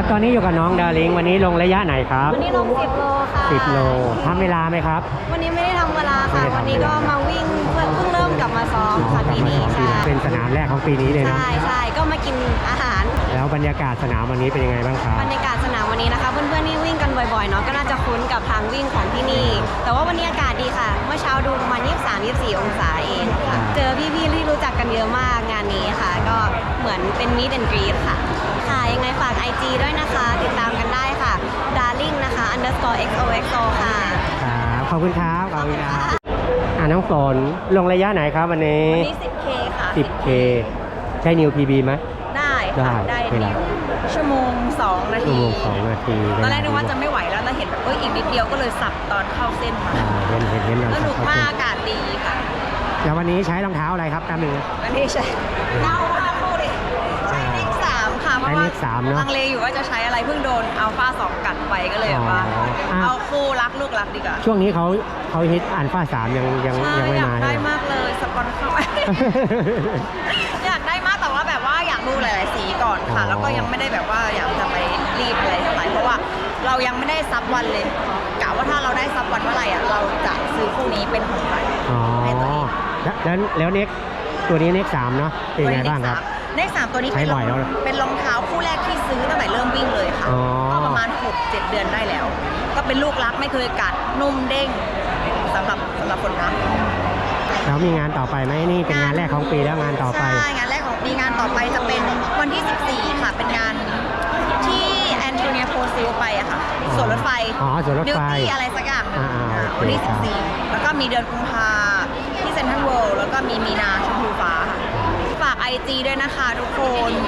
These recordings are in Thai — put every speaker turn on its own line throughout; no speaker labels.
ตอนนี้อยู่กับน้องดาริงวันนี้ลงระยะไหนครับ
วันนี้ลง10 โลค่ะ
10 โลทำเวลาไหมครับ
วันนี้ไม่ได้ทำเวลาค่ะวันนี้ก็มาวิ่งเพิ่งเริ่มกลับมาซ้อมค่ะปีนี้ค่ะ
เป็นสนามแรกของปีนี้เลยเนาะ
ใช่ก็มากินอาหาร
แล้วบรรยากาศสนามวันนี้เป็นยังไงบ้างครับ
บรรยากาศสนามวันนี้นะคะเพื่อนๆที่วิ่งกันบ่อยๆเนาะก็น่าจะคุ้นกับทางวิ่งของที่นี่แต่ว่าวันนี้อากาศดีค่ะเมื่อเช้าดูประมาณ23-24 องศาเองค่ะเจอพี่ๆที่รู้จักกันเยอะมากงานนี้ค่ะก็เหมือนเป็น meet and greet ค่ะยังไงฝาก IG ด้วยนะคะติดตามกันได้ค่ะ darling นะคะ _xoxo ค่ะ
ขอบคุณครับขอบคุณครับน้องฝนลงระยะไหนครับวันนี้
10K ค่ะ
10K ใช้นิว PB ไหม
ได้ชั่วโมง2 นาทีตอนแรกนึกว่าจะไม่ไหวแล้วแต่เห็นแบบอีกนิดเดียวก็เลยสับตอนเข้าเส้นมา
เห็น
สนุกมากอากาศดีค่ะ
แล้ววันนี้ใช้รองเท้าอะไรครับตามหนึ่ง
วันนี้ใช้คู่ดิใช้Nike 3ค่ะเพราะว่าลังเลอยู่ว่าจะใช้อะไรเพิ่งโดนอัลฟา2กัดไปก็เลยว่าเอาคู่รักลูกรักดีกว่า
ช่วงนี้เขาฮิตอัลฟา3ยังไม่มา
ได้มากเลยสปอนเข้าไปอยากได้มากแต่ว่าแบบว่าอยากดูหลายๆสีก่อนค่ะแล้วก็ยังไม่ได้แบบว่าอยากจะไปรีบอะไรเท่าไหร่เพราะว่าเรายังไม่ได้ซับวันเลยกะว่าถ้าเราได้ซับวันเมื่อไหร่เราจะซื้อคู่นี้เป็นของขวัญให้ตัวเอง
แล้วเน็กตัวนี้เน็ก3เนาะเป็นไงบ้างครับ
เน็ก3ตัวนี้เป็นรองเท้าคู่แรกที่ซื้อตั้งแต่เริ่มวิ่งเลยค่ะก็ประมาณ 6-7 เดือนได้แล้วก็เป็นลูกรักไม่เคยกัดนุ่มเด้งสำหรับคนนะ
แล้วมีงานต่อไปไหมนี่เป็นงานแรกของปีแล้วงานต่อไป
ใช่งานแรกของปีงานต่อไปจะเป็นวันที่14ค่ะเป็นงานที่แอนโทเนียโพซิลไปอะค่ะสวนรถไฟ
สวนรถไฟ
อะไรสักอย่างวันที่14แล้วก็มีเดือนกุมภาที่เซ็นทรัลเวิลด์แล้วก็มีมีนาชมพูฟ้าฝาก IG ด้วยนะคะทุกคน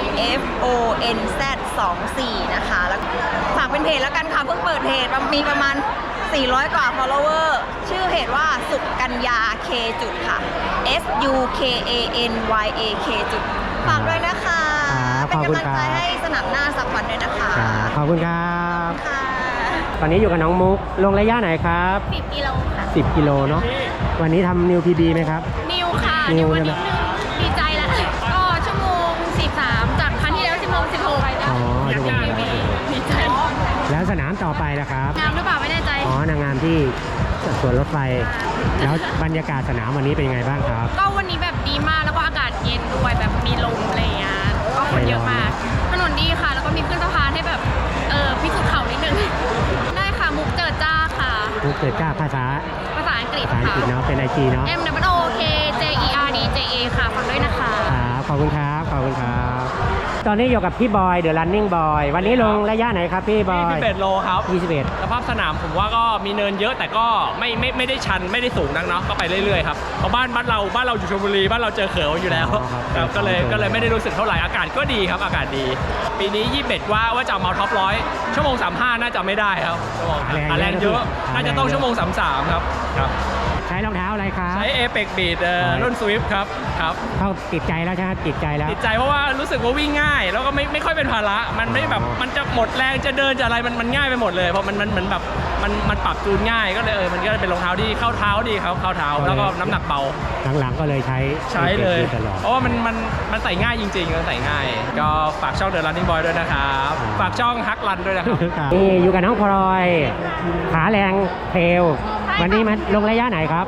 FONZ24 นะคะแล้วฝากเป็นเพจแล้วกันค่ะเพิ่งเปิดเพจมีประมาณ400 กว่า follower ชื่อเพจว่าสุกัญญา K จุดค่ะ SUKANYAK จุดฝากด้วยนะคะเป็นกำลังใจให้สนามหน้าสักวันด้วยนะคะ
ขอบคุณครับตอนนี้อยู่กับน้องมุกลงระยะไหนครับ
10 กิโลค่ะ
10 กิโลเนาะวันนี้ทำนิว PB ไหมครับ
นิวค่ะนิววันนี้ดีใจแล้วก็ชั่วโมง13จากครั้งที่แล้วชั่วโมง16ไปแล้วดีใจ
แล้วสนามต่อไปนะครับ
งามหรือเปล่าไม่แน่ใจ
นางงามที่สวนรถไฟแล้วบรรยากาศสนามวันนี้เป็นยังไงบ้างครับ
ก็วันนี้แบบดีมากแล้วก็อากาศเย็นด้วยแบบมีลมอะไรอย่างเงี้ยก็คนเยอะมากถนนดีค่ะแล้วก็มีขึ้นสะพานให้แบบพิสูจน์เข่านิดนึงได้ค่ะมุกเจิดจ้าค่ะ
มุกเจิดจ้าภาษา
อังกฤษ
ค่ะเนาะเป็น IG เนาะ
MWOKJERDJA ค่ะฟังด้วยนะคะ
ขอบคุณครับขอบคุณครับตอนนี้อยู่กับพี่บอยเดอะรันนิ่งบอยวันนี้ลงระยะไหนครับพี่บอย
21 โลครับ
21
สภาพสนามผมว่าก็มีเนินเยอะแต่ก็ไม่ได้ชันไม่ได้สูงนักเนาะก็ไปเรื่อยๆครับเพราะบ้านเราอยู่ชลบุรีบ้านเราเจอเขืออยู่แล้วครับก็เลยไม่ได้รู้สึกเท่าไหร่อากาศก็ดีครับอากาศดีปีนี้21ว่าจะมาท็อป100ชั่วโมง35น่าจะไม่ได้ครับแรงเยอะน่าจะต้องชั่วโมง33ครับ
ใช้รองเท้าอะไรครับ
ใช้ Apex Beat รุ่น Swift ครับ
เขาติดใจแล้วใช่ไหมติดใจ
เพราะว่ารู้สึกว่าวิ่งง่ายแล้วก็ไม่ค่อยเป็นภาระมันไม่แบบมันจะหมดแรงจะเดินจะอะไรมันง่ายไปหมดเลยเพราะมันเหมือนแบบมันปรับจูนง่ายก็เลยมันก็เป็นรองเท้าที่เข้าเท้าดีครับเข้าเท้าแล้วก็น้ำหนักเบา
หลังๆก็เลยใช้
เลยเพราะว่ามันใส่ง่ายจริงๆมันใส่ง่ายก็ฝากช่อง The Running Boy ด้วยนะครับฝากช่องฮักรันด้วยนะครับ
นี่อยู่กับน้องพลอยขาแรงเทรลวันนี้มันลงระยะไหนครับ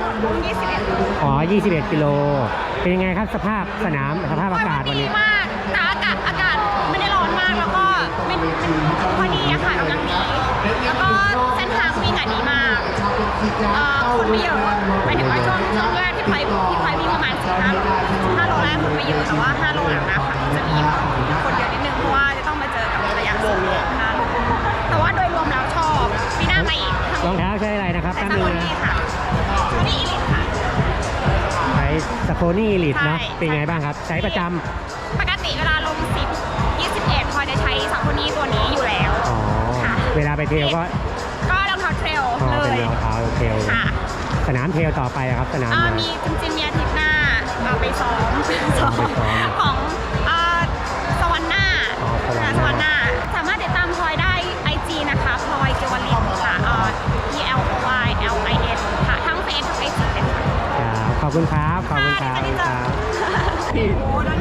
21 กิโลเป็นยังไงครับสภาพสนามสภาพอากาศวันนี้
ดีมากแต่อากาศไม่ได้ร้อนมากแล้วก็มันพอดีอะค่ะกำลังดีแล้วก็เส้นทางวิ่งดีมากคนไม่เยอะหมายถึงว่าช่วงแรกที่ไฟวิ่งประมาณ15 โลแรกคนไม่เยอะแต่ว่า5 โลหลังนะคะจะมีคนเยอะนิดนึงเพราะว่าจะต้องมาเจอกับระยะสูงแต่ว่าโดยรวมแล้วชอบปีหน้ามาอีก
รองเท้าใช้อะไรนะครับ
ตั้งมือค่ะนี่อีลิทค่ะ
ใช้สโคนี่อีลิทเนาะเป็นไงบ้างครับใช้ประจำ
ปกติเวลาลง10 21พอจะใช้สโคนี่ตัวนี้อยู่แล้ว
เวลาไปเทรลก็
รองเท้าเทรลเลย
เป็นรองเท้าเทรลสนามเทรลต่อไปครับสนาม
มีจริงๆมีอาทิตย์หน้าไปซ้อมของสวรรค์หน้าสามารถติดตามพลอยได้ IG นะคะพลอยเกวลินค่ะPLOYLIN ค่ะทั้งเฟซทั้ง IG เลยค่ะ
ขอบคุณครับ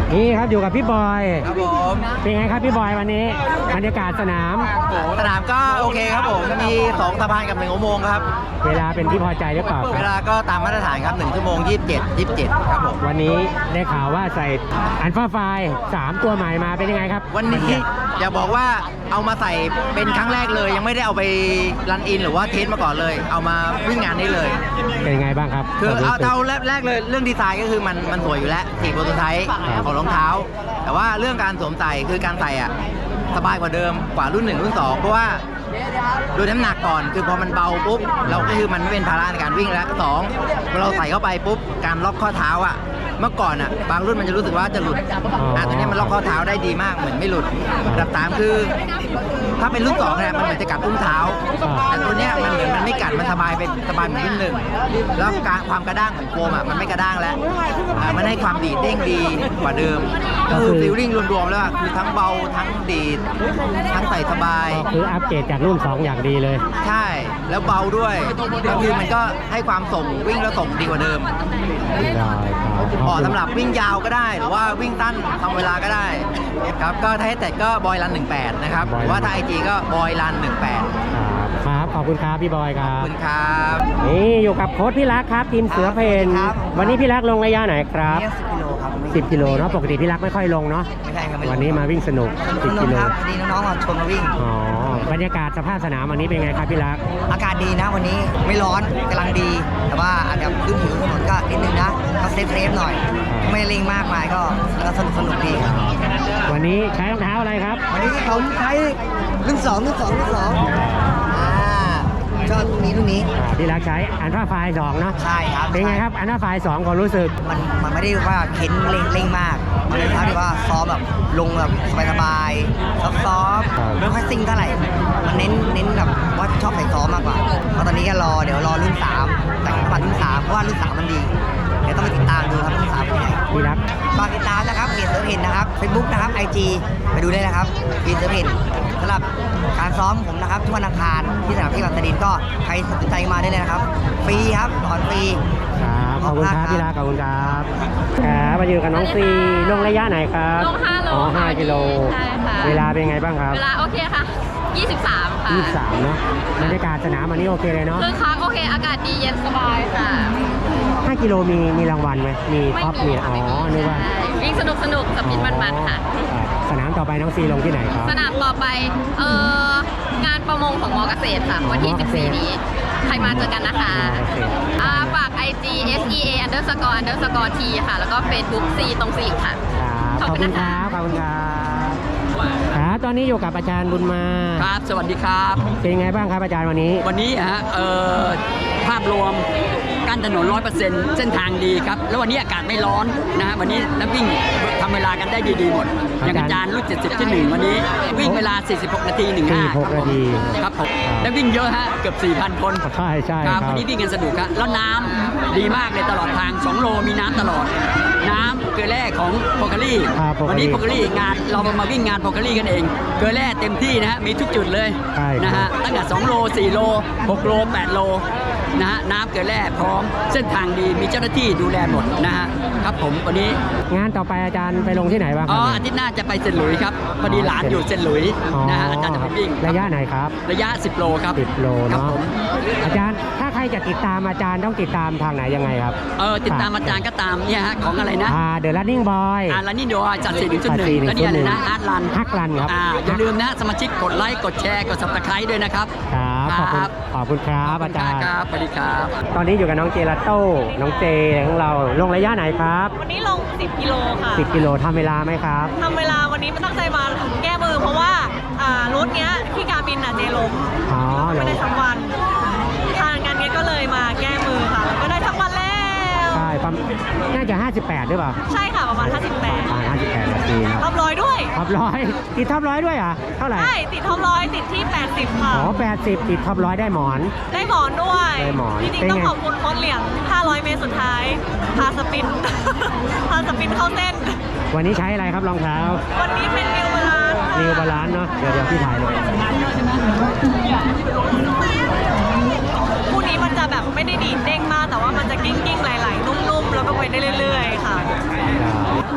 นี่ครับอยู่กับพี่บอย
ครับผม
เป็นไงครับพี่บอยวันนี้บรรยากาศสนาม
สนามก็โอเคครับผมมี2สะพานกับ1อุโมงค์ครับ
เวลาเป็นที่พอใจหรือเปล่าค
เว
รับ
ลาก็ตามมาตรฐานครับ1ชั่วโมง27ครับผม
วันนี้ได้ข่าวว่าใส่อันฟ้าไฟล์3ตัวใหม่มาเป็นยังไงครับ
วันนี้อย่าบอกว่าเอามาใส่เป็นครั้งแรกเลย ยังไม่ได้เอาไปรันอินหรือว่าเทสมาก่อนเลย เอามาวิ่งงานได้เลย
เป็นยังไงบ้างครับ
คือ
วมรู้
เอา
สึก
เท่าแรกเลยเรื่องดีไซน์ก็คือมันสวยอยู่แล้วสีโปรโตไทป์ของรองเท้า แต่ว่าเรื่องการสวมใส่คือการใส่อ่ะสบายกว่าเดิมกว่ารุ่น1รุ่น2เพราะว่าโดยน้ำหนักก่อนคือพอมันเบาปุ๊บเราก็คือมันไม่เป็นภาระในการวิ่งแล้ว2พอเราใส่เข้าไปปุ๊บการล็อกข้อเท้าอ่ะเมื่อก่อนอ่ะบางรุ่นมันจะรู้สึกว่าจะหลุดตัวนี้มันล็อกข้อเท้าได้ดีมากเหมือนไม่หลุดอันดับ3คือ ถ้าเป็นรุ่น2เนี่ยมันเหมือนจะกัดอุ้งเท้าแต่ตัวเนี้ยมันเหมือนมันไม่กัดมันสบายเป็นสบายเหมือนรุ่นหนึ่งแล้วการความกระด้างของโฟมอ่ะมันไม่กระด้างแล้วมันให้ความดีดเด้งดีกว่าเดิมก็คือฟีลลิ่งรวมๆแล้วอะคือทั้งเบาทั้งดีดทั้งใส่สบาย
ก็คืออัปเกรดจากรุ่น 2 อย่างดีเลย
ใช่แล้วเบาด้วยก็คือมันก็ให้ความส่งวิ่งแล้วส่งดีกว่าเดิม
ได้ครับ
เหมาะสำหรับวิ่งยาวก็ได้หรือว่าวิ่งสั้นทำเวลาก็ได้ครับก็ถ้าให้แต่ก็บอยรัน18นะครับหรือว่าถ้าไอจีก็บอยรัน18
ครับขอบคุณครับพี่บอยครั
ขอบบ คุณครับ
นี่อยู่กับโค้ชพี่รักครับทีมเสือเพน
ครับ
วันนี้พี่รักลงระยะไหนครับ
10 กิโลครับ
10 กิโลเนาะปกติพี่รักไม่ค่อยลงเนาะ
ไม่ใช่ครับ
วันนี้มาวิ่งสนุก 10 กิโล
ครับวันนี้น้องๆมาชวนมาวิ่ง
อ๋อบรรยากาศสภาพสนามวันนี้เป็นไงครับพี่รัก
อากาศดีนะวันนี้ไม่ร้อนกำลังดี แต่ว่าอาจจะขึ้นผิวถนนก็นิดนึงนะก็เซฟหน่อย ไม่เร่งมากมายก็สนุกดีครับ
วันนี้ใช้รองเท้าอะไรครับ
วันนี้ผมใช้รุ่น2ชอบรุ่นนี้
พี่รักใช้อันฟ้าไฟล์2เนาะ
ใช่ครับ
เป็นไงครับอันฟ้าไฟล์2ความรู้สึก
มันไม่ได้ว่าเข็นเร่งมากมันเป็นเท้าที่ว่าซ้อมแบบลงแบบสบายๆซ้อมไม่ค่อยซิ่งเท่าไหร่มันเน้นแบบว่าชอบใส่ซ้อมมากกว่าเพราะตอนนี้ก็เดี๋ยวรอรุ่น3แต่งปันรุ่น3เพราะว่ารุ่น3มันดีเดี๋ยวต้องไปติดตามดูครับรุ่น3เป็นไง
พี่รัก
ฝากติดตามนะครับเพจเสือเพนนะครับ Facebook นะครับ IG ไปดูได้นะครับเพจเสือเพนสำหรับการซ้อมผมนะครับทุกวันอังคารที่สนามที่บางสะดินก็ใครสนใจมาได้เลยนะครับฟรีครับสอนฟรี
ครับขอบคุณครับพี่รักขอบคุณครับครับมาอยู่กับน้องซีลงระยะไหนครับ
ลง5 โล
อ๋อ
ค่ะ
5 กิโล
ใช่ค่ะ
เวลาเป็นไงบ้างครับ
เวลาโอเคค่ะ 23 ค่ะ
23เนาะบรรยากาศสนามวันนี้โอเคเลยเนาะ
คือค้างโอเค อากาศดีเย็นสบายค่ะ
5 กิโลมีรางวัลไหมมีท็อปมี
ค่ะ
อ๋อนึกว่า
ใช่วิ่งสนุกสปินมันๆค่ะ
ครับสนามต่อไปน้องซีลงที่ไหนครับ
สนามต่อไปงานประมงของมอเกษตรค่ะ วันที่
มอเกษตร
14 นี้ ใครมาเจอกันนะคะ
มอเกษตร
ฝาก IG SEA__T ค่ะ แล้วก็ Facebook C ตรงสีค่ะ
ครับขอบคุณครับขอบคุณครับครับตอนนี้อยู่กับอาจารย์บุญมา
ครับ สวัสดีครับ
เป็นไงบ้างครับอาจารย์วันนี้
วันนี้ภาพรวมกั้นถนน 100% เส้นทางดีครับ แล้ววันนี้อากาศไม่ร้อนนะฮะวันนี้นักวิ่งทำเวลากันได้ดีๆหมด อย่างอาจารย์รุ่น70ที่1วันนี้วิ่งเวลา 46 นาที
46 นาที
ครับผมและวิ่งเยอะฮะ เกือบ 4,000 คน
ใช่ใช่
ครับ
ครับ
วันนี้วิ่งกันสนุกครับแล้วน้ำดีมากเลยตลอดทาง 2 โลมีน้ำตลอด น้ำเกลือแร่ของโพคารี่
ครับ
วันนี้
โพ
โพ
คารี่
คารี่งานเรามาวิ่งงานโพคารี่กันเอง เกลือแร่เต็มที่นะฮะมีทุกจุดเลย
ใช่
นะฮะตั้งแต่2 โล 4 โล 6 โล 8 โลนะฮะน้ำเกลือแร่พร้อมเส้นทางดีมีเจ้าหน้าที่ดูแลหมดนะฮะครับผมวันนี้
งานต่อไปอาจารย์ไปลงที่ไหนบ้างค
อ๋
รั
อบ อาทิตย์หน้าจะไปเซนต์หลุยส์ครับพอดีหลานอยู่เซนต์หลุยส์นะฮะอาจารย์จะไปวิ่ง
ระยะไหนครับ
ระยะ 10 โลครับ
10 โล
ครับ
เนาะ
ผม
อาจารย์ถ้าใครจะติดตามอาจารย์ต้องติดตามทางไหนยังไงครับ
ติดตามอาจารย์ก็ตามเนี่ยฮะของอะไรนะ
The Running Boy
แล้วนี่เดี๋ยวจัด4.1
จัด4.1
แล้วเนี่ยอะไรนะอาร์ตรัน
ฮักรันครับ
อย่าลืมนะสมาชิกกดไลค์กดแชร์กด subscribe ด้วยนะครับ
ครับขอบคุณครับอาจารย์
ครับสวัสดีครับ
ตอนนี้อยู่กับน้องเจลาโต้น้องเจของเราลงระยะไหนครับ
วันนี้ลง 10 กิโลค่ะ
10 กิโลทำเวลาไหมครับ
ทำเวลาวันนี้มันตั้งใจมาแก้มือเพราะว่ารูทเนี้ยที่การบินเจล้ม
อ๋อ
ไม่ได้ทั้งวันทางงานนี้ก็เลยมาแก้มือค่ะแล้วก็ได้ทั้งวันแล้ว
ใช่น่าจะ 58หรือเปล่า
ใช่ค่ะประมาณ
ประ
58
มาณ58นาทีครับ
ท็อปร้อยด้วย
ท็อปร้อยติดท็อปร้อยด้วยอ่ะเท่าไหร่
ใช่ติดท็อปร้อยติดที่ 80 ค่ะ
อ๋อ80ติดท็อปร้อยได้หมอน
ได้หมอนด้วย
ได้หมอน
จริง
เป็น
ๆต้อง
ไง
ขอบคุณโค้ชเหลียง 500 เมตรสุดท้าย พาสปิน พาสปินเข้าเส้น
วันนี้ใช้อะไรครับรองเท้า
วันนี้เป็นนิวบาลานซ์
นิวบาลานซ์เนาะเดี๋ยวพี่ถ่ายเลย
คู่นี้มันจะแบบไม่ได้ดีดเด้งมาก แต่ว่ามันจะกิ้งๆไหลๆนุ่มๆ แล้วก็ไปได้เรื่อยๆ ค่ะ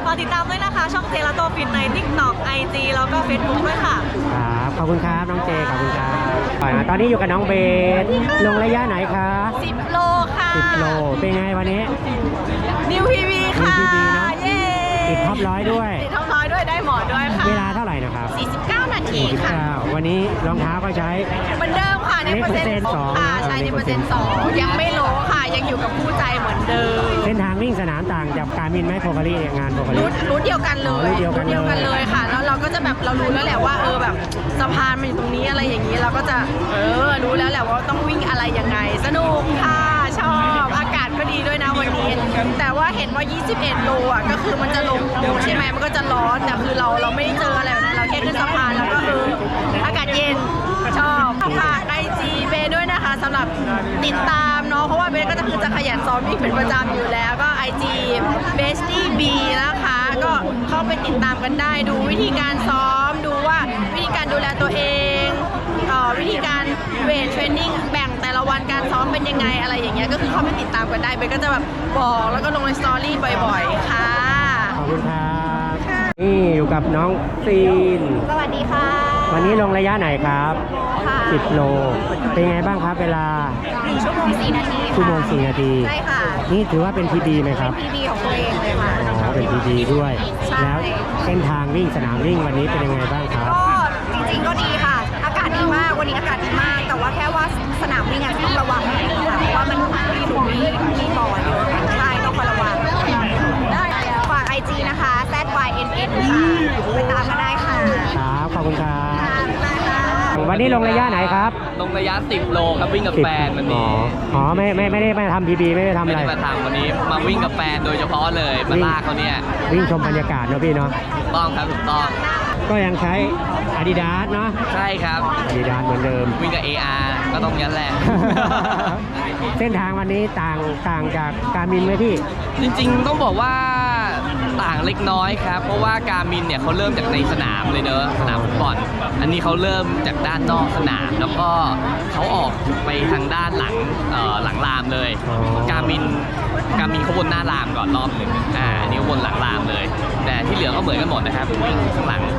ฝากติดตามด้วยนะคะ ช่องเจลาโตฟิตใน TikTok IG แล้วก็ Facebook ด้วยค่ะ
ครับขอบคุณครับน้องเจขอบคุณครับตอนนี้อยู่กับน้องเบสลงระยะไหนคะ
10 โลค่ะ
10 โลเป็นไงวันนี้
นิวพีวีค่ะ
New PB เนอะ
เย้
ติดท็อป100ด้วย
ติดท็อปร้อยด้วยได้หมอด้วยค่ะ
เวลาเท่าไหร่นะครับ
49 นาทีค่ะ
49วันนี้รองเท้าก็ใช้
เหมือนเดิมค่ะในเปอร์เซ็นต์
สอง
ค่ะ
นะ
ใช่ในเปอร์เซ็นต์2ยังไม่โลค่ะ ยังอยู่กับคู่ใจเหมือนเดิม
เส้นทางวิ่งสนามต่างจากการมินไหมโพกาลีงานโพกาลี
รู้เดียวกันเลย
รู้เดียวกันเลย
ค่ะ แล้วเราก็จะแบบเรารู้แล้วแหละว่าแบบสะพานมันอยู่ตรงนี้อะไรอย่างนี้เราก็จะรู้แล้วแหละว่าต้องวิ่งอะไรยังไง สนุกค่ะชอบอากาศก็ดีด้วยนะวันนี้ แต่ว่าเห็นว่า 21 โลอ่ะก็คือมันจะลงใช่ไหมมันก็จะร้อนแต่คือเราไม่ได้เจออะไรแบบนั้นเราแค่ขึ้นสะพานแล้วก็อากาศเย็นชอบฝากไอจีเบด้วยนะคะสำหรับติดตามเนาะเพราะว่าเบก็จะขยันซ้อมวิ่งเป็นประจำอยู่แล้วก็ IG b e s t i e B นะคะก็เข้าไปติดตามกันได้ดูวิธีการซ้อมดูว่าวิธีการดูแลตัวเองวิธีการเวทเทรนนิ่งแบ่งแต่ละวันการซ้อมเป็นยังไงอะไรอย่างเงี้ยก็คือเข้าไปติดตามกันได้เบก็จะแบบบอกแล้วก็ลงในสตอรี่บ่อยๆค่ะ
ขอบคุณครับนี่อยู่กับน้องซีน
สวัสดีค่ะ
วันนี้ลงระยะไหนครับ
ค่ะ
10 โล เป็นไงบ้างครับเวลา
1 ชั่วโมง 4 นาที
ชั่วโมง4 นาที
ใช่ค่ะ
นี่ถือว่าเป็น PB ไหมครับ
PB ของตัวเองเลยค่ะ
อ๋อเป็น PB ด้วย
ใช่
แล้วเส้นทางวิ่งสนามวิ่งวันนี้เป็นยังไงบ้างครับ
ก็จริงๆก็ดีค่ะ อากาศดีมาก วันนี้อากาศดีมาก แต่ว่าแค่ว่าสนามวิ่งอาจจะต้องระวังนิดนึงค่ะ เพราะว่ามันมีหลุมมีบ่อเยอะใช่ต้องคอยระวัง ได้ฝาก IG นะคะ ZYNN ค่ะ ไปตามกันได้ค่ะ
ครับ ขอบคุณครับ
ค่ะบ๊ายบายค่ะ
วันนี้ลงระยะไหนครับ
ลงระยะ 10 โลครับวิ่งกับแฟนวันนี้
อ๋อไม่ได้มาทำ PB ไม่ได้ทำ
ไม่
อะไร
ได้มาทำวันนี้มาวิ่งกับแฟนโดยเฉพาะเลยมาลากเขาเนี่ย
วิ่งชมบรรยากาศเนอะพี่เนาะ
ถูกต้องครับถูกต้อง
ก็ยังใช้ Adidas เนาะ
ใช่ครับ
Adidas เหมือนเดิม
วิ่งกับ AR ก็ต้องยันแหละ
เส้นทางวันนี้ต่างจากการมินไหมพี่
จริงๆต้องบอกว่าต่างเล็กน้อยครับ เพราะว่าการมินเนี่ยเขาเริ่มจากในสนามเลยเนอะสนามฟุตบอลอันนี้เขาเริ่มจากด้านนอกสนาม แล้วก็เขาออกไปทางด้านหลังหลังรามเลย
อ๋อ
การมินเขาวนหน้ารามก่อนรอบหนึ่งอันนี้วนหลังรามเลย แต่ที่เหลือก็เหมือนกันหมดนะครับวิ่งข้างหลัง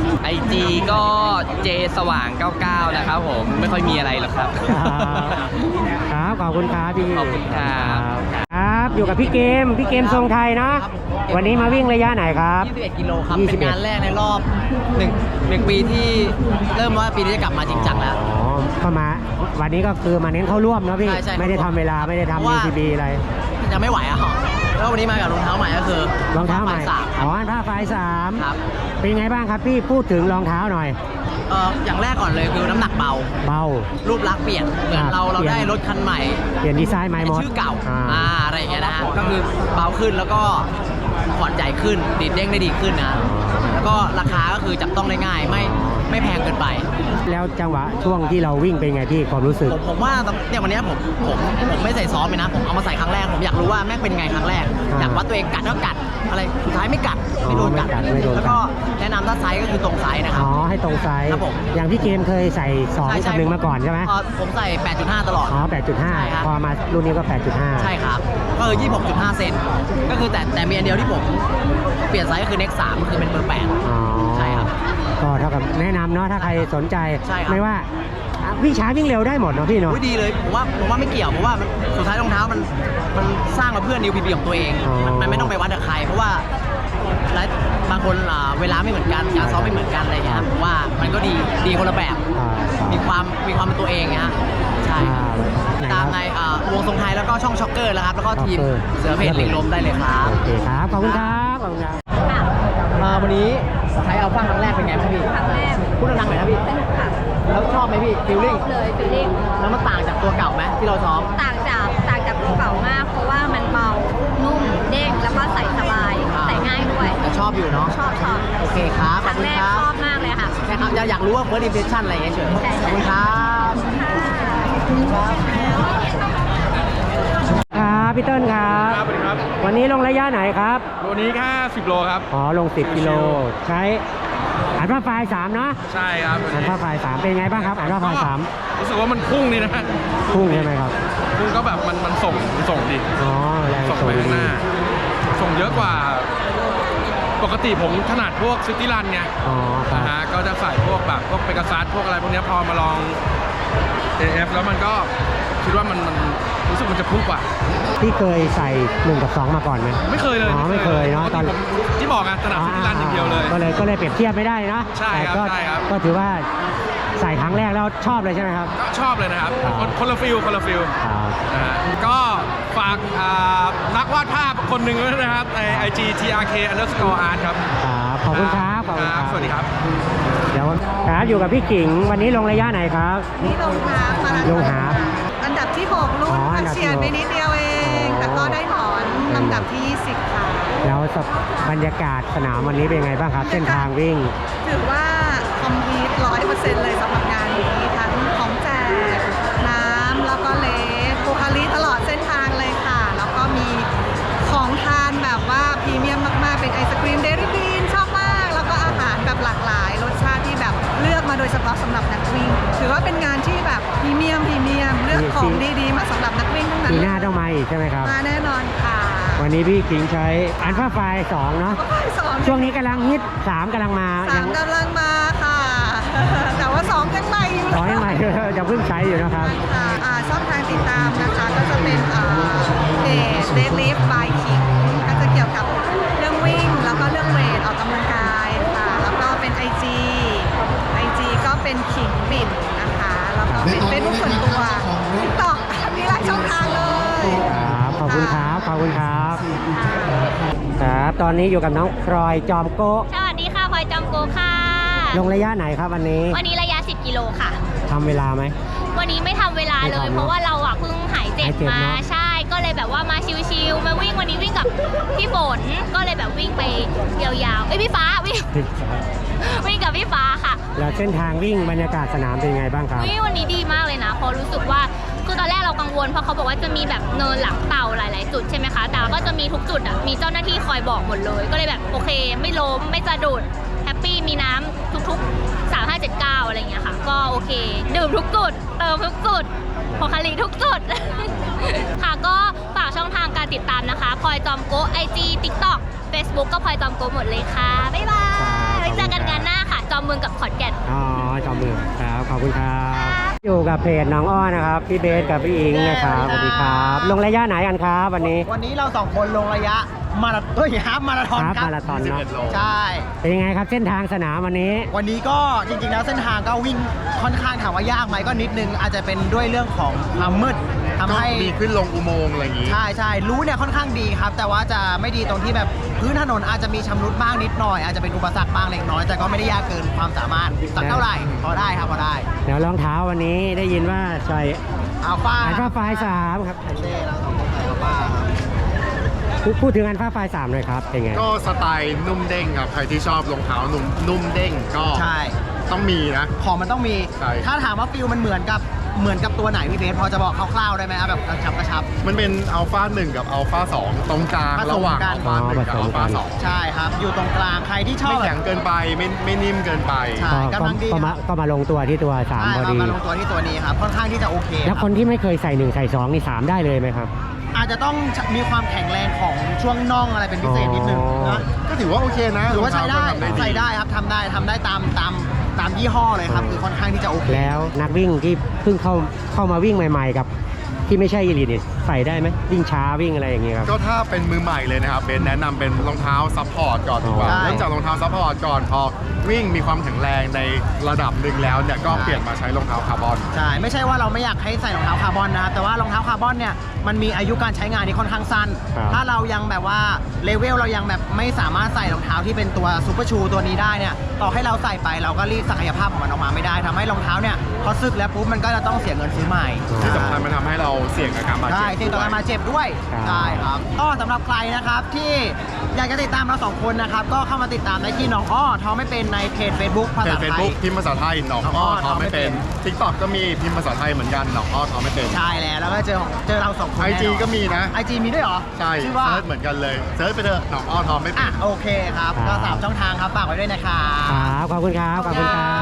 IG ก็เจสว่าง 99 นะครับผมไม่ค่อยมีอะไรหรอกครับ
ครับขอบคุณครับพี่
ขอบคุณครับ
ครับอยู่กับพี่เกมทรงไทยเนาะวันนี้มาวิ่งระยะไหนครับ
21 กิโลครับ
21
เป็นงานแรกในรอบ1 ปีที่เริ่มว่าปีนี้จะกลับมาจริงจังแล้ว
อ๋อเข้ามาวันนี้ก็คือมาเน้นเข้าร่วมเนาะพี่
ใช่
ไม่ได้ทำเวลาไม่ได้
เพ
ทำ
ราะว่า
UTB อะไร
ยังไม่ไหวอะครับแล้ววันนี้มากับรองเท้าใหม่ก็คือ
รองเท้าใหม่
สาม
อ๋อผ้าไฟสาม
ครับ
เป็นไงบ้างครับพี่พูดถึงรองเท้าหน่อย
อย่างแรกก่อนเลยคือน้ำหนักเบา
เบา
รูปลักษณ์เปลี่ยนเหมือนเรา
เปลี่ยน
ได้รถคันใหม่
เปลี่ยนดีไซน์ใหม่หมด
ชื่อเก่า
อ่า
อะไรอย่างเงี้ยนะฮะก็คือเบาขึ้นแล้วก็ผ่อนใจขึ้นดีดเด้งได้ดีขึ้นนะแล้วก็ราคาก็คือจับต้องได้ง่ายไม่แพงเกินไป
แล้วจังหวะช่วงที่เราวิ่งเป็นไงพี่ความรู้สึก
ผมว่าเนี่ยวันเนี้ยผมไม่ใส่ซ้อมเลยนะ ผมเอามาใส่ครั้งแรกผมอยากรู้ว่าแม่งเป็นไงครั้งแรก อยากวัดตัวเองกัดก็กัดอะไรสุดท้ายไม่กัดไม่โดนกัด
ไม่โดนกัด
แล้วก็แนะนำถ้าไซส์ก็คือตรงไซส์นะครับ
อ๋อให้ตรงไซส์
ครับผม
อย่างพี่เกมเคยใส่2กับ1มาก่อนใช่ไหม
ผมใส่ 8.5 ตลอด
อ๋อ
ใช่ครับ
8.5 พอมารุ่นนี้ก็ 8.5
ใช่ครับก็คือ 26.5 เซนก็คือแต่มีอันเดียวที่ผมเปลี่ยนไซส์ก็คือ Next 3ก็คือเป็นเบอร์
อ๋อ
ใช่ครับ
ก็เท่ากับแนะนำเนาะถ้าใครสนใจ
ใช่ครับ
ไม่ว่าวิ่งช้าวิ่งเร็วได้หมดเนาะพี่เนาะ
อุ๊ยดีเลยผมว่าไม่เกี่ยวเพราะว่าสุดท้ายรองเท้ามันสร้างมาเพื่อนิวพีพีของตัวเอง
อ๋อ
มันไม่ต้องไปวัดกับใคร เพราะว่าบางคนเวลาไม่เหมือนกันการซ้อมไม่เหมือนกันอะไรอย่างเงี้ยครับผมว่ามันก็ดีคนละแบบ มีความเป็นตัวเองนะฮะใช่ครับตามในวงทรงไทยแล้วก็ช่องช็อกเกอร์แล้วครับแล้วก็ทีมเสือเพชรเหล็กลมได้เลยครับ
โอเคครับขอบคุณครับขอบคุณครับ
วันนี้ใช้อัลฟาครั้งแรกเป็นไงพี่
ครั้งแรก
พูดดังๆหน่อยนะพี่
สนุกค่ะ
แล้วชอบไหมพี่ฟิลลิ่ง
เลยฟีลลิ่ง
แล้วมันต่างจากตัวเก่าไหมที่เราซ้อม
ต่างจากตัวเก่ามาก เพราะว่ามันเบา นุ่ม เด้ง แล้วก็ใส่สบาย ใส่ง่ายด้วย
แต่ชอบอยู่เนาะ
ชอบ
โอเคครับ
ค
ขอบ
รั้ง
คุณ
แรก
ครับ
ชอบมากเลยค่ะ
ใช่ครับอยากรู้ว่า first impression อะไรอย่างเงี้ยเฉย
ใช่
ขอบคุณครับ
ครับพี่เติ้ลครับ
สวัสดีครับ
วันนี้ลงระยะไหนครับ
วันนี้แค่10 โลครับ
อ๋อลง 10 กิโลใช้อันว่าไฟล์3เนาะ
ใช่ครับ
อันว่าไฟล์3เป็นไงบ้างครับอันว่าไฟล์
รู้สึกว่ามันพุ่งนี่นะ
3พุ่งใช่ไหมครับ
พุ่งก็แบบมันส่งดี
อ๋อแรง
ส่ง
ส่ง
ไปข้างห
ดี
น้า ส่งเยอะกว่าปกติผมถนัดพวกซิตี้รันไง
อ๋อครับ
นะฮะก็จะใส่พวกแบบพวกเปกัสซัสพวกอะไรพวกเนี้ยพอมาลอง AF แล้วมันก็คิดว่ามันรู้สึกมันจะพุ่งกว่า
พี่เคยใส่1 กับ 2มาก่อนไหม
ไม่เคยเลย
อ๋อไม่เคยเนอะตอน
ผมที่บอกไงถนัดซิตี้รันอย่างเดียวเลย
ก็เลยเปรียบเทียบไม่ได้เนอะ
ใช่ครับ
แต่ก็
ใช่ครับ
ก็ถือว่าใส่ครั้งแรกแล้วชอบเลยใช่ไหมครับ
ก็ชอบเลยนะครับ
ครับ
คนละฟิล
ครับ
นะฮะก็ฝากนักวาดภาพคนหนึ่งด้วยนะครับใน IG TRK_art ครับ
ครับขอบคุณครับขอบคุณครับ
สวัสดีครับ
เดี๋ยวครับอยู่กับพี่กิ่งวันนี้ลงระยะไหนครับ
นี่ลงฮาล์ฟมาราธ
ล
อง น
ฮาล์ฟ
อันดับที่ 6 รุ่น
อ๋ออั
ค่ะ
นดับที่
เฉียดไป
6
นิดเดียวเอง แต่ก็ได้ถอนลำดับที่ 20 ค่ะ
แล้วบรรยากาศสนามวันนี้เป็นไงบ้างครับ เส้นทางวิ่ง
ถือว่าคอมพลีท 100% เลยสำหรับงานนี้ทั้งของแจกน้ำแล้วก็เลสโคคาลิตลอดเส้นทางเลยค่ะ แล้วก็มีของทานแบบว่าพรีเมียมมาก ๆ เป็นไอศครีมเดลี่บีนชอบมาก แล้วก็อาหารแบบหลากหลายรสชาติที่แบบเลือกมาโดยเฉพาะสำหรับนักวิ่ง ถือว่าเป็นงานที่แบบพรีเมียมเลือกของดีๆมาสำหรับนักวิ่งทั้งนั้น
ปี
เล
หน้าย ต้องมาอีกใช่ไหมครับ
มาแน่นอนค่ะ
วันนี้พี่กิ่งใช้อันฟ้าไฟ2เนาะ
สอง
ช่วงนี้กำลังฮิต3กำลังมา
สามกำลังมาค่ะ แต่ว่า2ยังใหม่อยู่
ร้อยใหม่ ยังเพิ่งใช้อยู่นะครับ
ค่ะช่องทางติดตามนะคะก็จะเป็นเพจ Deadlift by King ก็จะเกี่ยวกับเรื่องวิ่ง แล้วก็เรื่องเวทออกกำลังกายค่ะ แล้วก็เป็น IG ก็เป็น King บินนะคะ แล้วก็เป็น Facebook ส่วนตัว TikTok มีหลายช่องทางเลย
ครับขอบคุณครับ ขอบคุณครับ ครับ ตอนนี้อยู่กับน้องพลอยจอมโกะ
สวัสดีค่ะพลอยจอมโกค่ะ
ลงระยะไหนครับวันนี้
วันนี้ระยะ 10 กิโลค่ะ
ทำเวลาไหม
วันนี้ไม่ทำเวลา
ไม่
เลย
ทำเนอะ
เพราะว่าเราอ่ะเพิ่งหายเจ็บ
หายเจ็บ
มา
เนอะ
ใช่ ก็เลยแบบว่ามาชิวๆมาวิ่งวันนี้วิ่งกับพี่ฝนก็เลยแบบวิ่งไปยาวๆเอ้ยพี่ฟ้าวิ่ง วิ่งกับพี่ฟ้าค่ะ
แล้วเส้นทางวิ่งบรรยากาศสนามเป็นไงบ้างครับ
วันนี้ดีมากเลยนะเพราะรู้สึกว่าคือตอนแรกเรากังวลเพราะเขาบอกว่าจะมีแบบเนินหลังเต่าหลายๆจุดใช่ไหมคะแต่ก็จะมีทุกจุดอ่ะมีเจ้าหน้าที่คอยบอกหมดเลย ก็เลยแบบโอเค ไม่ล้มไม่สะดุดแฮปปี้มีน้ำทุกๆ 3579อะไรอย่างเงี้ยค่ะก็โอเค ดื่มทุกจุดเติมทุกจุดพอคาลีทุกจุด ค่ะก็ฝากช่องทางการติดตามนะคะพลอยจอมโกะ IG TikTok Facebook ก็พลอยจอมโกะหมดเลยค่ะบ๊ายบายไว้เจอกันงานหน้าค่ะจอมเมืองกับขอนแก่น
อ๋อจอมเมืองครับ ขอบคุณครับ อยู่กับเพจน้องอ้อนะครับ พี่เบสกับพี่อิงนะครับ สวัสดีครับ ลงระยะไหนกันครับวันนี้
วันนี้เราสองคนลงระยะฮาล์ฟมาราธอน
ฮาล์ฟ
ครับ
มาราธอนเนอะ
ใช่
เป็นยังไงครับเส้นทางสนามวันนี้
วันนี้ก็จริงๆแล้วเส้นทางก็วิ่งค่อนข้างถามว่ายากไหมก็นิดนึง อาจจะเป็นด้วยเรื่องของความมืดทำให้
มีขึ้นลงอุโมงค์อะไรอย่างนี้
ใช่รู้เนี่ยค่อนข้างดีครับ แต่ว่าจะไม่ดีตรงที่แบบพื้นถนนอาจจะมีชำรุดบ้างนิดหน่อย อาจจะเป็นอุปสรรคบ้างเล็กน้อยแต่ก็ไม่ได้ยากเกินความสามารถสักเท่าไหร่พอได้ครับพอได้
แล้วรองเท้าวันนี้ได้ยินว่าใส่
อัลฟา
อันฟ้าไฟ3ครับ
เช่เราสองคนใส่อัลฟาครับ
พูดถึงอันฟ้าไฟ3เลยครับ เป็นไง
ก็สไตล์นุ่มเด้งครับ ใครที่ชอบรองเท้านุ่มเด้งก็
ใช่
ต้องมีนะ
ของมันต้องมี
ใช่
ถ้าถามว่าฟิลมันเหมือนกับตัวไหนพี่เบสพอจะบอกคร่าวๆได้ไหมเอาแบบกระชับ
มันเป็นอัลฟา1กับอัลฟา2ตรงกลาง
ผสมกัน
ระหว่างอัลฟา1กับ
ผส
อั
ม
ล
กั
ฟาน 2
ใช่ครับ อยู่ตรงกลางใครที่ชอบ
ไม่แข็งเกินไปไม่นิ่มเกินไป
ใช่ กำลังดี
ก็มาลงตัวที่ตัว
ใช่
3พอดี
มาลงตัวที่ตัวนี้ครับ ค่อนข้างที่จะโอเค
แล้ว
ค
ครับ นที่ไม่เคยใส่1ใส่2นี่3ได้เลยไหมครับ
อาจจะต้องมีความแข็งแรงของช่วงน่องอะไรเป็นพิเศษนิดนึง
อ๋อ
นะ
ก็ถือว่าโอเคนะ
หรือว่าใช้ได้
รองเท้าก็ทำ
ใส่ได้ครับทำได้ตามยี่ห้อเลยครับ คือค่อนข้างที่จะโอเค
แล้วนักวิ่งที่เพิ่งเข้ามาวิ่งใหม่ๆกับที่ไม่ใช่อีลิทเนี่ยใส่ได้ไหมวิ่งช้าวิ่งอะไรอย่างเงี้ยครับ
ก็ถ้าเป็นมือใหม่เลยนะครับเบนแนะนำเป็นรองเท้าซัพพอร์ตก่อนดีกว่า
ใช่
เริ่มจากรองเท้าซัพพอร์ตก่อนพอวิ่งมีความแข็งแรงในระดับหนึ่งแล้วเนี่ยก็เปลี่ยนมาใช้รองเท้าคาร์บอน
ใช่ ไม่ใช่ว่าเราไม่อยากให้ใส่รองเท้าคาร์บอนนะครับ แต่ว่ารองเท้าคาร์บอนเนี่ยมันมีอายุการใช้งานที่ค่อนข้างสั้น
ครับ
ถ้าเรายังแบบว่าเลเวลเรายังแบบไม่สามารถใส่รองเท้าที่เป็นตัวซูเปอร์ชูตัวนี้ได้เนี่ยต่อให้เราใส่ไปเราก็รีดศักยภาพของมันออกมาไม่ได้ทำให้รองเท้าเนี่ยพอซึกแล้วปุ๊บมันก็จะต้องเสียเงินซื้อใหม่
ที่สำคัญมันทำให้เราเสี่ยงกับการบาดเจ็บ
ใช่เสี่ยงต่อการมาเจ็บด้วย
ครับ
ใช่ครับก็สำหรับใครนะครับที่อยากจะติดตามเราสองคนนะครับก็เข้ามาติดตามได้ที่น้องอ้อท้อไม่เป็นในเพจ Facebook ภา
เพ
ษา
จเฟซ
ไทย
บุ๊กพิมพ์ภาษาไทยหนองอ้อทอไม่เป็น ทิกตอกก็มีพิมพ์ภาษาไทยเหมือนกันหนองอ้อทอไม่เป็น
ใช่แล้วก็เจอเราสองคน
ไอ
แน่นน
จีก็มีนะ
ไอจีมีด้วยเหรอ
ใช่
ชื่อว่า
เซิร์ชเหมือนกันเลยเซิร์ชไปเถอะหนองอ้อทอไม่เป็
อ่ะ
น
โอเคครับ
ครั
ก็
บ
3 ช่องทางครับฝากไว้ด้วยนะครับ
ครับขอบคุณครับ ขอบคุณครับ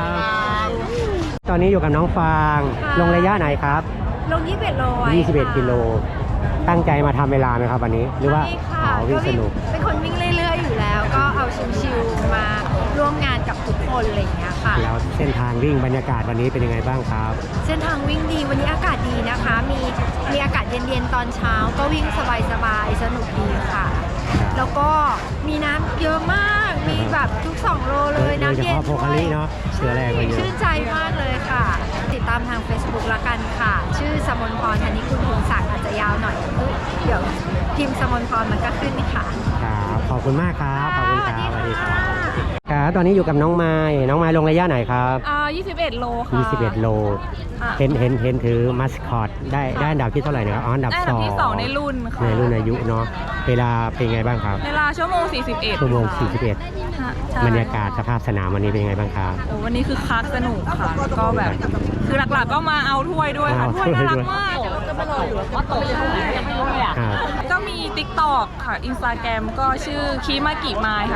ครับ
ตอนนี้อยู่กับน้องฟาง ลงระยะไหนครับ
ลง21โลไว้
21 กิโล ตั้งใจมาทำเวลาไหมครับวันนี้ หรือว่า
ใช่ค่ะ
อ๋อวิ่ง
ก็
สนุก
เป็นคนวิ่งเรื่อยๆอยู่แล้ว ก็
ชิลๆมาร่วมงานกับทุกคนอะไรอย่างเงี้ยค่ะ
แล้วเส้นทางวิ่งบรรยากาศวันนี้เป็นยังไงบ้างครับ
เส้นทางวิ่งดีวันนี้อากาศดีนะคะ มีอากาศเย็นๆตอนเช้าก็วิ่งสบายๆสนุกดีค่ะ แล้วก็มีน้ำเยอะมาก มีแบบทุก2 โลเลยน้ำเย็น
โดยเฉพาะโพคาริเนาะเชื้อแรงมาเยอะ
ชื่นใจมากเลยค่ะ ติดตามทาง Facebook ละกันค่ะ ชื่อสมนพรธนิคุณพงศักดิ์อาจจะยาวหน่อยเดี๋ยวพิมพ์สมนพรมันก็ขึ้นค่ะ
ครับขอบคุณมากครับขอบคุณครับ
สวัสดีค่ะ
ครับตอนนี้อยู่กับน้องไม้น้องไม้ลงระยะไหนครับ
21 โลค่ะ
21 โล
ค่ะ
เห็นถือมัสคอตได้อันดับที่เท่าไหร่นะครับอ๋ออันดับ
ได้อันดับที่ 2 ในรุ่นค่ะ
ในรุ่นอายุเนาะเวลาเป็นไงบ้างครับ
เวลาชั่วโมง 41
ชั่วโมง
ค่ะ
41
ใช่
บรรยากาศสภาพสนามวันนี้เป็นยังไงบ้างครับ
โอ้วันนี้คือคักสนุกค่ะแล้วก็แบบคือหลักๆก็มาเอาถ้วยด้วยค่ะ
เอา
ถ้วยน่ารัก
ถ้วยด้วย
มากเดี๋ยวจะมารออยู่ว่าโตจะเท่าไหร่ยังไม่รู้เลยอ่ะ
ครับ
ก็มี TikTok ค่ะ Instagram ก็ชื่อคิมากิมายค่ะ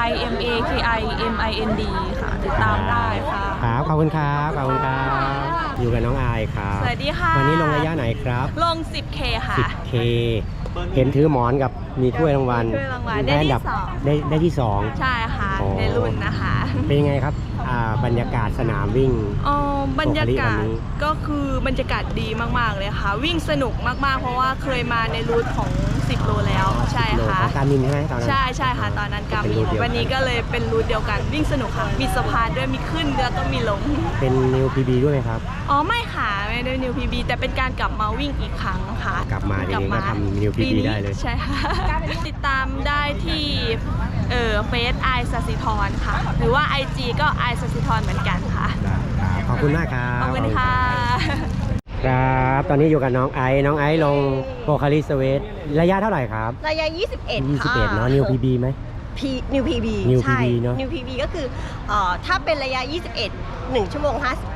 KIMAKIMIND ค่ะ ติดตามได้ค่ะ
ครับขอบคุณครับขอบคุณครับอยู่กับน้องอายครับ
สวัสดีค่ะ
วันนี้ลงระยะไหนครับ
ลง 10K ค่ะ
10K เห็นถือหมอนกับมีถ้วยรางวัล
ถ้วยรางวัลได้ที่
อันดับ
สอง
ได้ที่สอง
ใช่ค่ะ
อ๋อ
ในรุ่นนะคะ
เป็นยังไงครับบรรยากาศสนามวิ่ง
บรรยากาศ
วันนี้
ก็คือบรรยากาศดีมากๆเลยค่ะ วิ่งสนุกมากๆ เพราะว่าเคยมาในรูทของ 10 โลแล้วใช่
โล
ค่ะ
ของการมินใช่ไหมตอนนั้น
ใช่ค่ะตอนนั้นกา
เป็น
มิ
รู
น
ทเดียวกัน
วันนี้ก็เลยเป็นรูทเดียวกันวิ่งสนุกค่ะ มีสะพานด้วยมีขึ้นแล้วก็มีลง
เป็นนิวพีบีด้วยไหมครับ
อ๋อไม่ค่ะไม่ได้นิวพีบีแต่เป็นการกลับมาวิ่งอีกครั้งค่ะ
กลับมาทีนี้ก็ทำ New PB
ปีนี้
ได้เลย
ใช่ค่ะ ติดตามได้ที่เฟซไอสัสิธรค่ะ หรือว่า IG ก็ไอสัสิธรเหมือนกันค่ะ
ได้ครับขอบคุณมากครับ
ขอบคุณค่ะ
ครับตอนนี้อยู่กับน้องไอซ์ลงโพคาริสเวทระยะเท่าไหร่ครับ
ระยะ 21 ค่ะ
21เนาะนิวพีบีไหม
New PB
New
ใช่
PB เนอะ
New PB ก็คือถ้าเป็นระยะ 21 1 ชั่วโมง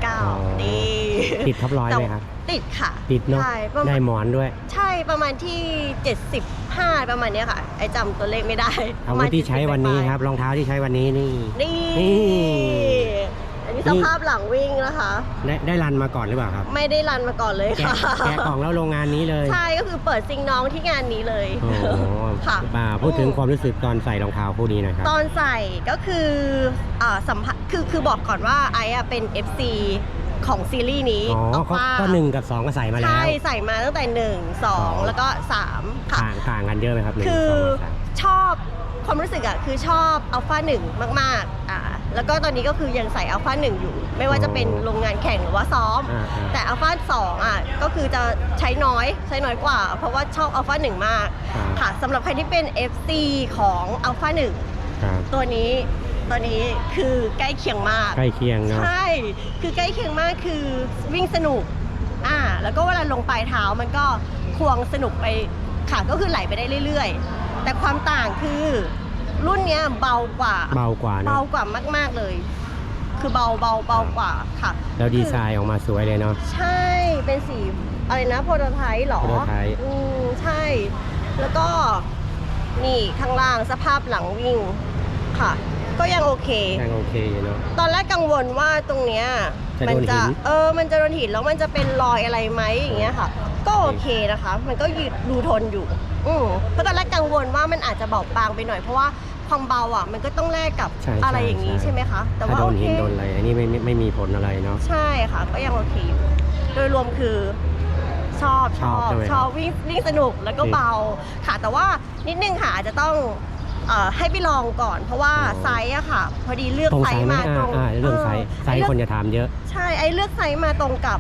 59 นี่
ติดท็อปร้อยไหมครับ
ติดค่ะ
ติดเนาะ
ใช่ประมา
ได้
ณ
หมอนด้วย
ใช่ประมาณที่ 75 ประมาณเนี้ยค่ะ ไอจำตัวเลขไม่ได้
อาวุธที่ใช้วันนี้ครับรองเท้าที่ใช้วันนี้นี่
นี่
นี่
อันนี้สภาพหลังวิ่งนะคะ
ได้รันมาก่อนหรือเปล่าครับ
ไม่ได้รันมาก่อนเลย
แกะ
ค่ะ
แกะกล่องแล้วโรงงานนี้เลย
ใช่ก็คือเปิดซิงน้องที่งานนี้เลย
โอ้โห
ค่ะ
มาพูดถึงความรู้สึกตอนใส่รองเท้าคู่นี้หนะครับ
ตอนใส่ก็คือสัมผัสคือบอกก่อนว่าไอ้อะเป็น FC ของซีรีส์นี้
อ๋อ
เอา
ก็
ว่า
ก็1 กับ 2 ก็ใส่มาแล้ว
ใช่ใส่มาตั้งแต่ 1 2 แล้วก็ 3 ค่ะ
ต่างกันเยอะไหมครับ1
คือ
2 3
ชอบความรู้สึกอะคือชอบอัลฟา1มากแล้วก็ตอนนี้ก็คือยังใส่อัลฟา1อยู่ ไม่ว่าจะเป็นโรงงานแข่งหรือว่าซ้อม แต่อัลฟา2อะก็คือจะใช้น้อยกว่า เพราะว่าชอบอัลฟา1มากค่ะสำหรับใครที่เป็น FC ของอัลฟา1
ครับ
ตัวนี้คือใกล้เคียงมาก
ใกล้เคียงเนาะ
ใช่ คือใกล้เคียงมากคือวิ่งสนุกแล้วก็เวลาลงปลายเท้ามันก็ควงสนุกไปค่ะก็คือไหลไปได้เรื่อยๆ แต่ความต่างคือรุ่นเนี้ยเบากว่า
เบากว่าเนอะ
เบากว่ามากๆเลย คือเบากว่าค่ะ
แล้วดีไซน์ออกมาสวยเลยเนาะ
ใช่ เป็นสีอะไรนะโปรโตไทป์หรอ
prototype
ใช่ แล้วก็นี่ข้างล่างสภาพหลังวิ่งค่ะ ก็ยังโอเค
ยังโอเคอยู่เนาะ
ตอนแรกกังวลว่าตรงเนี้ย
จะ
มั
โดนหิน
มันจะโดนหินแล้วมันจะเป็นรอยอะไรไหมอย่างเงี้ยค่ะ ก็โอเคนะคะ มันก็ดูทนอยู่เพราะตอนแรกกังวลว่ามันอาจจะเบาบางไปหน่อยเพราะว่าความเบาอ่ะมันก็ต้องแลกกับ
ใช่
อะไรอย่างนี้ใช่ไหมคะ แต่ว่า
ถ้าโด
โอน เค
หินโดนอะไรอันนี้ไม่มีผลอะไรเนาะ
ใช่ค่ะ ก็ยังโอเคอยู่โดยรวมคือชอบ
ใช่ไหม
ชอบวิ่งสนุกแล้วก็เบาค่ะ แต่ว่านิดนึงค่ะอาจจะต้องให้ไปลองก่อน เพราะว่าไซส์อะค่ะ พอดีเลือก
ตรง
ไซ
ไซส์
ส์
ไหม
มาตรง
เรื่องไซส์คนจะถามเยอะ
ใช่ไอ้เลือกไซส์มาตรงกับ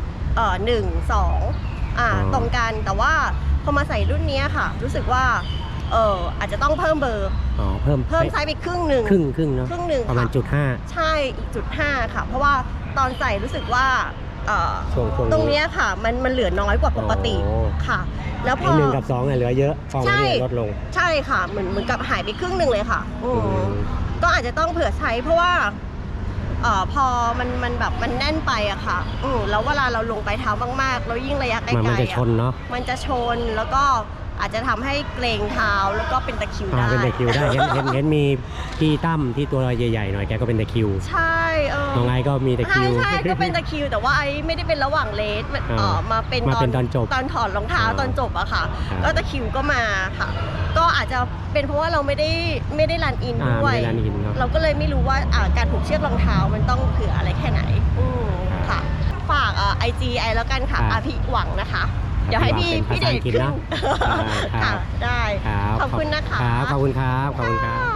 1 2ตรงกันแต่ว่าพอมาใส่รุ่นนี้ค่ะ รู้สึกว่าอาจจะต้องเพิ่มเบอร์
อ๋อเพิ่ม
ไซส์ไปครึ่งหนึ่ง
ครึ่งเนาะ
ครึ่งหนึ่ง
ประมาณ
ค่ะ
จุดห้า
ใช่อีกจุด5ค่ะ เพราะว่าตอนใส่รู้สึกว่า
ช่วง
ตรงเนี้ยค่ะมันเหลือน้อยกว่าปกติ
อ๋อ
ค่ะ แล้วพ
ไอ้
อ
1 กับ 2เนี่ยเหลือเยอะฟองนี้ลดลง
ใช่ค่ะเหมือนกับหายไปครึ่งหนึ่งเลยค่ะ
อืม
ก็อาจจะต้องเผื่อใช้เพราะว่าพอมันแบบมันแน่นไปอะค่ะแล้วเวลาเราลงไปเท้ามากๆแล้วยิ่งระยะไกลๆ
มันจะชนเนาะ
มันจะชนแล้วก็อาจจะทำให้เกรงเท้าแล้วก็เป็นตะคริวได้
เป็นตะคริวได้เห็นมีพี่ตั้มที่ตัวใหญ่ๆหน่อยแกก็เป็นตะคริว
ใช่
น้องไอก็มีตะคริว
ใช่ก็เป็นตะคริวแต่ว่าไอไม่ได้เป็นระหว่างเลสมาเป็น
ตอนจบ
ตอนถอดรองเท้าตอนจบอะค่ะ
ครับ
ก็ตะคริวก็มาค่ะ ก็อาจจะเป็นเพราะว่าเราไม่ได้รันอินด้วย
ไม่ได้รันอินเนอะ
เราก็เลยไม่รู้ว่าการผูกเชือกรองเท้ามันต้องเผื่ออะไรแค่ไหนค่ะ ฝากIG ไอแล้วกันค่ะอาภิหวังนะคะ เดี๋ยวให้พี่เดชขึ้น
ครั
ค่ะ
บ
ได้
ครับ
ขอบคุณนะคะ
ครับขอบคุณครับขอบคุณครับ